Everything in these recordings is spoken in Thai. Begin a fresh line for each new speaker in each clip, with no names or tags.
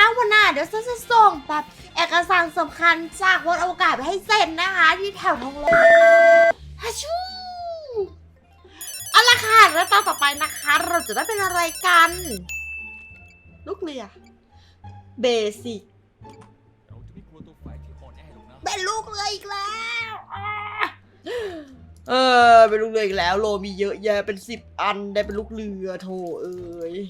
วันหน้าเดี๋ยวฉันจะส่งแบบเอกสารสำคัญจากบนอวกาศไปให้เซ็นนะคะที่แถวทองหล่อฮัชชูเอาละค่ะแล้วตอนต่อไปนะคะเราจะได้เป็นอะไรกันลูกเรือเบสิกเป็นลูกเรืออีกแล้วเป็นลูกเรืออีกแล้วโลมีเยอะแยะเป็น10 อันได้เป็นลูกเรือโถเอ้ย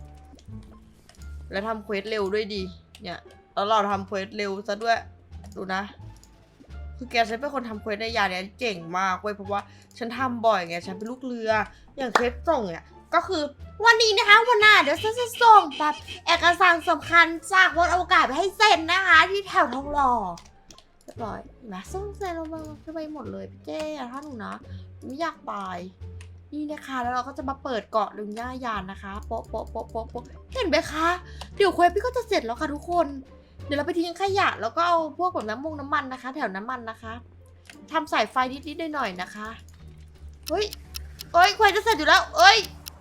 แล้วทำเควสเร็วด้วยดีเนี่ยแล้วเราทำเควสเร็วซะด้วยดูนะคือแกฉันเป็นคนทำเควสในยาเนี่ยเก่งมากเว้ยเพราะว่าฉันทำบ่อยไงฉันเป็นลูกเรืออย่างเควสส่งเนี่ยก็คือวันนี้นะคะวันหน้าเดี๋ยวฉันจะส่งแบบเอกสารสำคัญจากบนอวกาศไปให้เซ็นนะคะที่แถวทองหล่อเรียบร้อยนะส่งเซ็นลงมาไปหมดเลยพี่เจ้ถ้าหนูนะไม่อยากตายนี่นะคะแล้วเราก็จะมาเปิดเกาะลุงย่ายานนะคะโป๊ะโป๊ะโป๊ะโป๊ะโป๊ะเห็นไหมคะเดี๋ยวเควสพี่ก็จะเสร็จแล้วค่ะทุกคนเดี๋ยวเราไปทิ้งขยะแล้วก็เอาพวกแบบน้ำมันนะคะแถวน้ำมันนะคะทำสายไฟนิดๆหน่อยๆนะคะเฮ้ยเอ้ยเควสจะเสร็จอยู่แล้วเอ้ย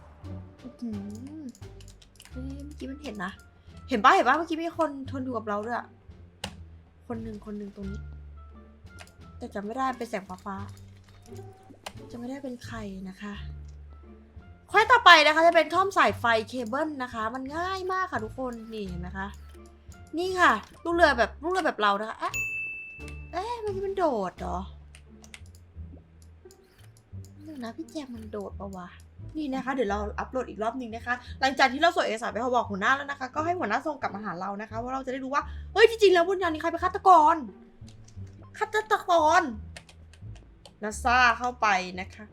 เมื่อกี้มันเห็นนะเห็นปะเมื่อกี้มีคนทนอยู่กับเราด้วยคนหนึ่งตรงนี้แต่จำไม่ได้เป็นแสงฟ้าจะไม่ได้เป็นใครนะคะข้อต่อไปนะคะจะเป็นท่อมสายไฟเคเบิลนะคะมันง่ายมากค่ะทุกคนนี่เห็นไหมคะนี่ค่ะลูกเรือแบบเรานะคะเอ๊ะเมื่อกี้มันโดดเหรอนึกนะพี่แจมมันโดดปะวะนี่นะคะเดี๋ยวเราอัปโหลดอีกรอบนึงนะคะหลังจากที่เราส่งเอกสารไปเขาบอกหัวหน้าแล้วนะคะก็ให้หัวหน้าส่งกลับมาหาเรานะคะว่าเราจะได้รู้ว่าเฮ้ยจริงๆแล้วบนยานนี้ใครเป็นฆาตกรนาซาเข้าไปนะคะ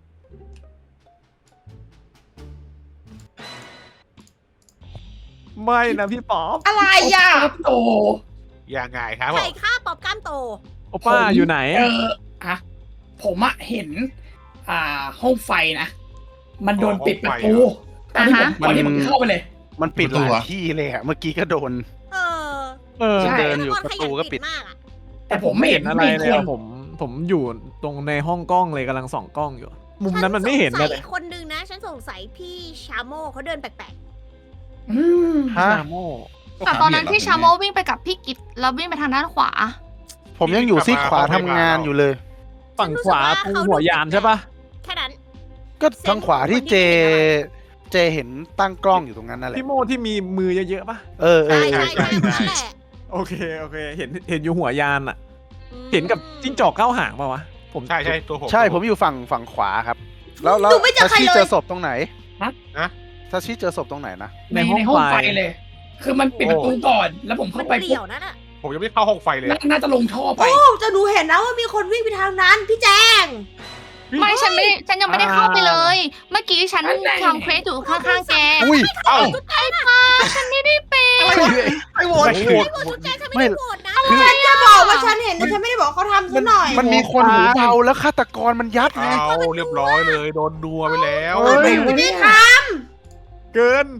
ไม่นะพี่ป๊อป
อะไรอ่ะ
โต
ยังไงครับผ
ไข่
ม
ข้าปอบก้ามโต
โอป้าอยู่ไหน
อะผมอะเห็นห้องไฟนะมันโดนปิดประตูตอนที่ผมเข้าไปเลย
มันปิดหลายที่เลยอะเมื่อกี้ก็โดน
เออ
เดินอยู่ประตูก็ปิด
มากอะ
แต่ผมไม่เห็น
อะไร
มี
เล
ค
ย
น
ผมอยู่ตรงในห้องกล้องเลยกำลังส่องกล้องอยู่ มุมนั้นมันไม่เห็น
ฉั
เล
สงสั
ย
คนนึงนะ ฉันสงสัยพี่ชาโมเขาเดินแปลก
อืม
ฮะ
ชาโม
แต่ตอนนั้นพี่ชาโมวิ่งไปกับพี่กิตแล้ววิ่งไปทางด้านขวา
ผมยังอยู่ซีกขวาทำงานอยู่เลย
ฝั่งขวาตรงหัวยานใช่ปะ
ๆ แค่นั้น
ก็ทางขวาที่เจเห็นตั้งกล้องอยู่ตรงนั้นนั่นแหละ
พี่โมที่มีมือเยอะๆปะ
เออ
ใช่คนนั้นแหละ
โอเคเห็นอยู่หัวยานอะเห็นกับจิ้งจอกเก้าหางปะวะผม
ใช่ตัวผมใช่ผมอยู่ฝั่งขวาครับ แล้วทัชชี่เจอศพตรงไหนทัชชี่เจอศพตรงไหนนะ
ในห้องไฟเลย คือมันปิดประตูก่อน แล้วผม
มั
เข้าน ไป
เปลี่ยวนั่นอะ
ผมยังไม่เข้าห้องไฟเลย
น่าจะลงท่อไป
โอ้จะหนูเห็นนะว่ามีคนวิ่งไปทางนั้นพี่แจง
ไม่ฉันยังไม่ได้เข้าไปเลย เมื่อกี้ฉันทำเควสอยู่ข้างๆแก
อุ้ยเอ้า
ฉันไม่ได้เป็น
ไอ้โหวต
ไม่โหวตจุ๊บแจงฉันไม่ได้โหวตนะ
ฉันจะบอกว่าฉันเห็นแต่ฉันไม่ได้บอกเขาทำซะหน่อย
มันมีคนหูเบาแล้วฆาตกรมันยัดไง
เอาเรียบร้อยเลยโดนนัวไปแล้ว
เฮ้ย
ไม่ได้ท
เกิน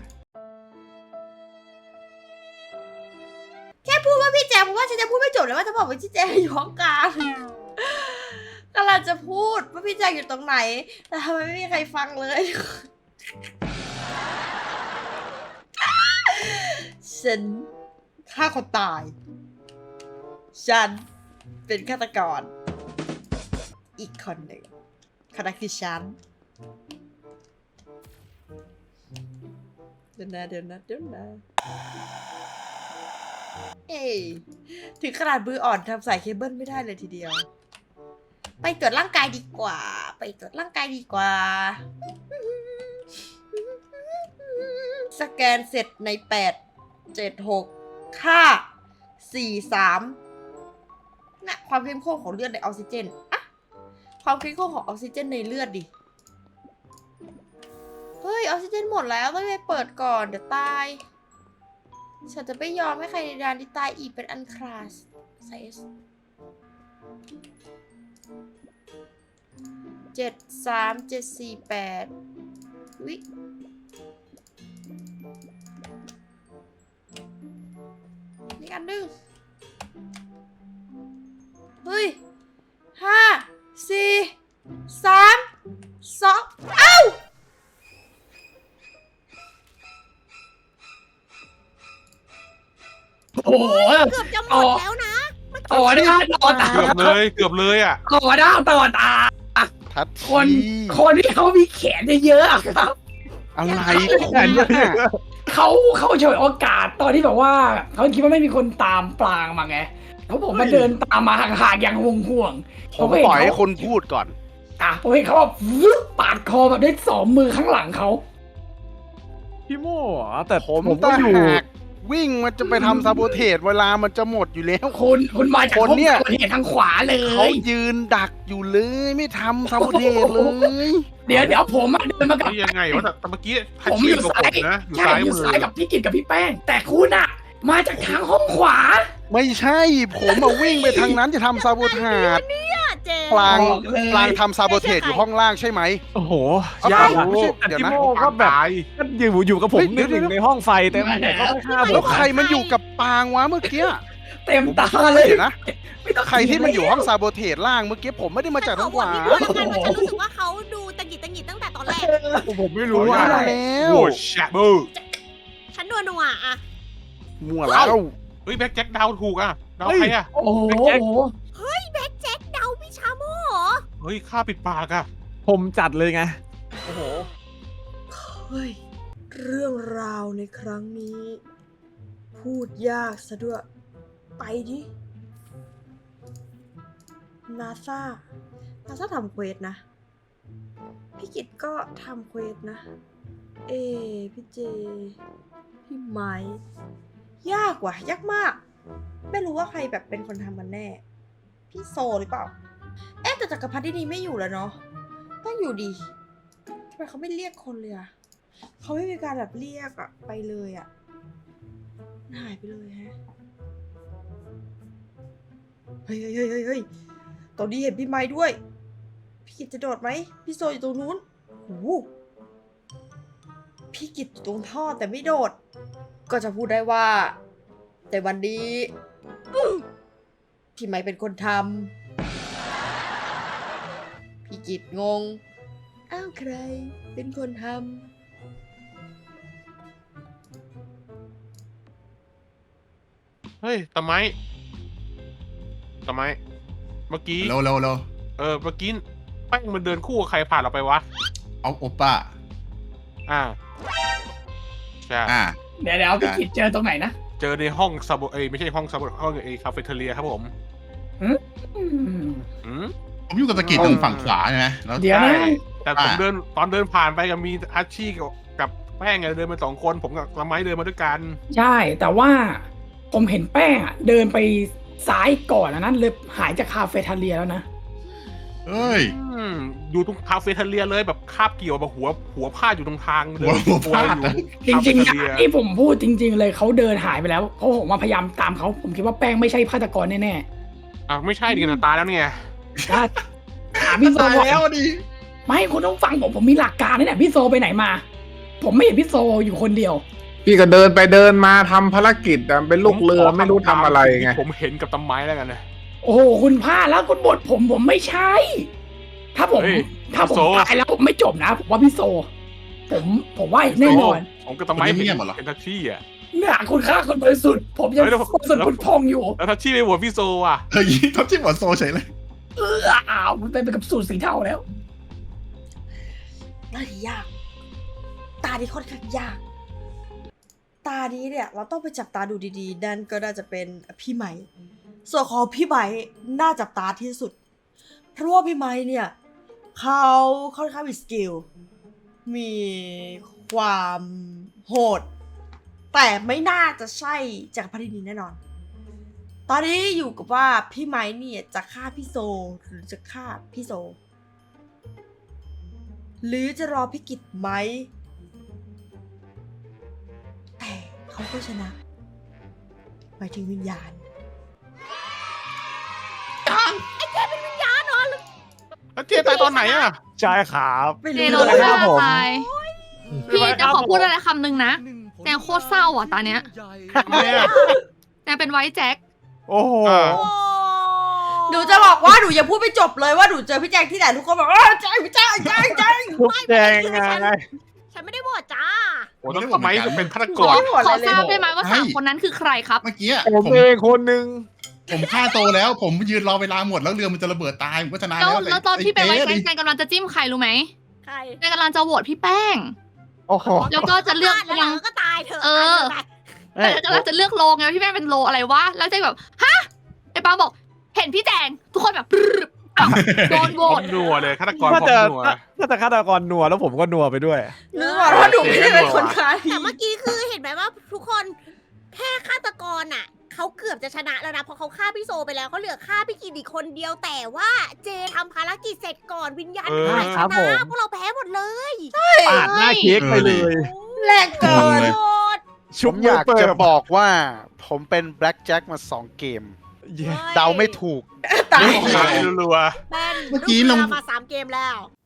ำแค่พูดว่าพี่แจงเพราะว่าฉันจะพูดไม่จบเลยว่าจะบอกว่าพี่แจงอยู่ห้องกลางกำลังจะพูดว่าพี่แจงอยู่ตรงไหนแต่ทำไมไม่มีใครฟังเลยฉันฆ่าคนตายฉันเป็นฆาตกรอีกคนหนึ่งคนนั้นคือฉันเดี๋ยวนะเอ้ยถึงขนาดมืออ่อนทำสายเคเบิลไม่ได้เลยทีเดียว ไปตรวจร่างกายดีกว่า สแกนเสร็จใน8 7 6ค่า4 3น่ะความเข้มข้นของเลือดในออกซิเจนอะความเข้มข้นของออกซิเจนในเลือดดิเฮ้ยออกซิเจนหมดแล้วต้องไปเปิดก่อนเดี๋ยวตายฉันจะไม่ยอมให้ใครในดานที่ตายอีกเป็นอันคลาสไซส์73748วินี่อันหนึ่งเฮ้ย5 4 3 2เอ้า
ห
เกือบจะหมดแล้วนะ
ต่อได้ต่อตา
เกือบเลยอ่ะ
ต่อได้ต่อตา
ทัด
คน
ที
คนที่เขามีแขนเยอะๆอะครับ
อะไรคุณน่ะ
เขาฉวยโอกาสตอนที่แบบว่าเขาคิดว่าไม่มีคนตามปลางมาไงแล้วผมมาเดินตามมาห่างๆอย่างห่วงๆ
ผมปล่อยให้คนพูดก่อน
ผมเห็นเขาแบบวึบปาดคอแบบด้วย2 มือข้างหลังเขา
พี่โม่เหรอแต่
ผม
ก็
ก็
อ
อยู่ ยู่วิ่งมันจะไปทำซาโบเทสเวลามันจะหมดอยู่แล้ว
คุณมาจาก
คนเนี่ย
ห้องเห็นทางขวาเล
เขา
ย
ยืนดักอยู่เลยไม่ทำซาโบเทสเลย
เดี๋ยวผมอะเดินมากับ
นี่ยังไงวะแต่เมื่อกี้
ผมอยู่ซ้าย
นะอยู่
ใช่
ซ้าย
อยู่
มือ
ซ้ายกับพี่กิตกับพี่แป้ง แต่คุณอะมาจากทางห้องขวา
ไม่ใช่ผมมาวิ่งไปทางนั้นจะทำซาโบเทส
เจ
ปลาง
บอกเลย
ปลางทำซาโบเทสอยู่ห้องล่างใช่ไหม
โอ้โห
เอา
ยาก
เอา
อะ
ไม่ใช่
แต่
เดี๋ยว
พี่
นะ
โม่ก็แบบ
ตาย
ก็อยู่กับผม
เฮ้ย
นึกถึงในห้องไฟแต่ผมก็ไม่ฆ่าผ
แล้ว
ม
ใครมันอยู่กับปางวะเมื่อกี้
เต็มตาเลย
เดี๋ยวนะ
ไม่ต้อง
ใครที่มันอยู่ห้องซาโบเทสล่างเมื่อกี้ผมไม่ได้มาจากทางขวา
ฉันขอโหวตพี่บัวแล้วกันเพราะฉันรู้สึกว่าเขาดูตังหิดตั้งแต่ตอนแรก
ผมไม่รู้
ว่า
ว่า
แล้ว
โอ้แชบเบอร์
ฉันนัวอะ
มั่วแล้ว
เฮ้ยแบ็คแจ็คดาวถูกอ่ะดาวใครอ่ะ
โอ้โห
แบ็คแจ็คเดาพี่ชาโม่เหรอ
เฮ้ยข้าปิดปากอ่ะ
ผมจัดเลยไง
โอ้โห
เฮ้ย เรื่องราวในครั้งนี้ พูดยากซะด้วย ไปดินาซาทำเควสนะ พี่กิตก็ทำเควสนะ พี่เจ พี่ไม้ยากว่ะ ยากมาก ไม่รู้ว่าใครแบบเป็นคนทำมันแน่ พี่โซหรือเปล่า แต่จักรพรรดินี่ไม่อยู่แล้วเนาะ ต้องอยู่ดีทำไมเขาไม่เรียกคนเลยอะเขาไม่มีการแบบเรียกอะไปเลยอะหายไปเลยฮะ เฮ้ยตอนนี้เห็นพี่ไม้ด้วย พี่กิตจะโดดไหม พี่โซอยู่ตรงนู้นโอ้โหพี่กิตอยู่ตรงท่อแต่ไม่โดด ก็จะพูดได้ว่า แต่วันนี้พี่ไม้เป็นคนทำพี่กิตงง อ้าวใครเป็นคนทำ
เฮ้ยตะไม้เมื่อกี้
เร็วเ
เมื่อกี้แป้งมันเดินคู่กับใครผ่านเราไปวะ
เอาโอป้า
อ่าใช่
เดี๋ยวพี่กิตเจอตรงไหนนะ
เจอในห้องซาโบไม่ใช่ห้องซาโบห้องคาเฟ่เทเลียครับผม
อืม
อืม
ผมอยู่กับตะกิดตรงฝั่งขวาใช่ไหมแล้ว
เดี๋ยวนะ
ใช่แต่ผมเดินตอนเดินผ่านไปกับมีอาชีกับแป้งไงเดินมา2 คนผมกับละไม้เดินมาด้วยกัน
ใช่แต่ว่าผมเห็นแป้งอะเดินไปซ้ายก่อนนะเลยหายจากคาเฟ่ทาเลียแล้วนะ
เอ้ย
อยู่ตรงคาเฟ่เทเลียเลยแบบคาบเกี่ยวแบบหัวพาดอยู่ตรงทางเดิน
หัวพาด
อยู่
จริงๆ
คา
นะ
เฟ่เทเลีย
ที่ผมพูดจริง ๆ เลยเขาเดินหายไปแล้วเพราะผมมาพยายามตามเขาผมคิดว่าแป้งไม่ใช่ฆาตกรแน่
ไม่ใช่ดิกันตายแล้วเนี่ย
ๆถ้าถามพี่โซ
ตายแล้วดิ
ไม่คุณต้องฟังผมมีหลักการนี่แหละพี่โซไปไหนมา ผมไม่เห็นพี่โซอยู่คนเดียว
พี่ก็เดินไปเดินมาทำภารกิจอะเป็นลูกเรือไม่รู้ทำอะไรไง
ผมเห็นกับตะไม้แล้วกันนะ
โอ้โหคุณพลาดแล้วคุณบทผมไม่ใช่ ถ้าผม
เฮ้ย
ถ้าผม
โซ
ตายแล้วผมไม่จบนะผมว่าพี่โซ ผมว่าแน่นอน
ผมกับตะไม้เป็นทัชชี่อ่ะ
เนี่ยคุณฆ่าคนบริสุทธิ์ผมยัง
เฮ้ยแล้ว
บริสุทธิ์คุณพองอยู่
แล้วทัชชี่ไปโหวตพี่โซอ่ะ
เฮ้ยเขาจิ้มหัวโซเฉยเลย
อ้าวมันเป็นกับสูตรสีเทาแล้ว
ตาดียาก ตาดีค่อนข้างยาก ตานี้เนี่ยเราต้องไปจับตาดูดีๆนั่นก็น่าจะเป็นพี่ไหม ส่วนของพี่ไหมน่าจับตาที่สุด เพราะว่าพี่ไหมเนี่ยเขาค่อนข้างมีสกิล มีความโหด แต่ไม่น่าจะใช่จากพรรดินีแน่นอน ตอนนี้อยู่กับว่าพี่ไหมเนี่ยจะฆ่าพี่โซหรือจะฆ่าพี่โซ หรือจะรอพี่กิตไหม แต่เขาก็ชนะหมายถึงวิญญาณ
แล้วเจตายตอนไหนอ่ะ
ใช่ครับ
ไม่
เจ
รู้
โดน
เลย
ฆ่า
ผม
ตายพี่จะขอพูดอะไรคำหนึ่งนะแจงโคตรเศร้าอ่ะตอนเนี้ย
ทำไมอ่ะ
แจงเป็นไวท์แจ็ค
โอ้โห
หนูจะบอกว่าหนูยังพูดไม่จบเลยว่าหนูเจอพี่แจงที่ไหนทุกคนบอกแจงพี่แจง
ทุกแจงไง
ฉันไม่ได้โหวตจ้า
โอ้ต้องทำไมจะเป็นฆาตก
ขอ
ร
ขอทราบได้ไหมว่าสามคนนั้นคือใครครับ
เมื่อกี้
ผมเองคนหนึ่ง
ผมฆ่าโซแล้ว ผมยืนรอเวลาหมดแล้วเรือมันจะระเบิดตายผมก็ชนะ
แล้ว
แล้ว
แล้วตอนที่เป็นไว้
อ้
แกนกำลังจะจิ้มใครรู้ไหม
ใคร
แกกำลังจะโหวตพี่แป้ง
โอ้โห
แล้วก็จะเลือก
แล้ว
ยัง
ก็ตายเถอะ
เออ แต่กำลังจะเลือกโลไงพี่แป้งเป็นโลอะไรวะแล้วใจแบบฮะไอ้ปาบอก เห็นพี่แจงทุกคนแบบโดนโหว
พร้อ
ต
มนัวเลยฆาตกรพ
ถ้า
ร้อ
จะ
มนัว
ถ้าจะฆาตกรนัวแล้วผมก็นัวไปด้วย
นึกว่าถ้าหนูไม่ได้เป็นคนฆ่า
แต่เมื่อกี้คือเห็นไหมว่าทุกคนแค่ฆาตกรอ่ะเขาเกือบจะชนะแล้วนะเพราะเขาฆ่าพี่โซไปแล้วเขาเหลือฆ่าพี่กินอีกคนเดียวแต่ว่าเจทำภารกิจเสร็จก่อนวิญญาณหายช
ครับผ
นะ
ม
พวกเราแพ้หมดเลย
ปาดหน้าเค้กไปเลย
แรงเกิน
โคตร
ชุ
ผ
บ
ม
มื
อ
อย
าก
เปิ
จะ
บ
บอกว่าผมเป็นแบล็กแจ็คมา2 เกม
เย้
เดาไม่ถูก
ตาย
ตายรัว
แป้น
เมื่อกี้
ลู
ลง
เรือมา3 เกมแล้ว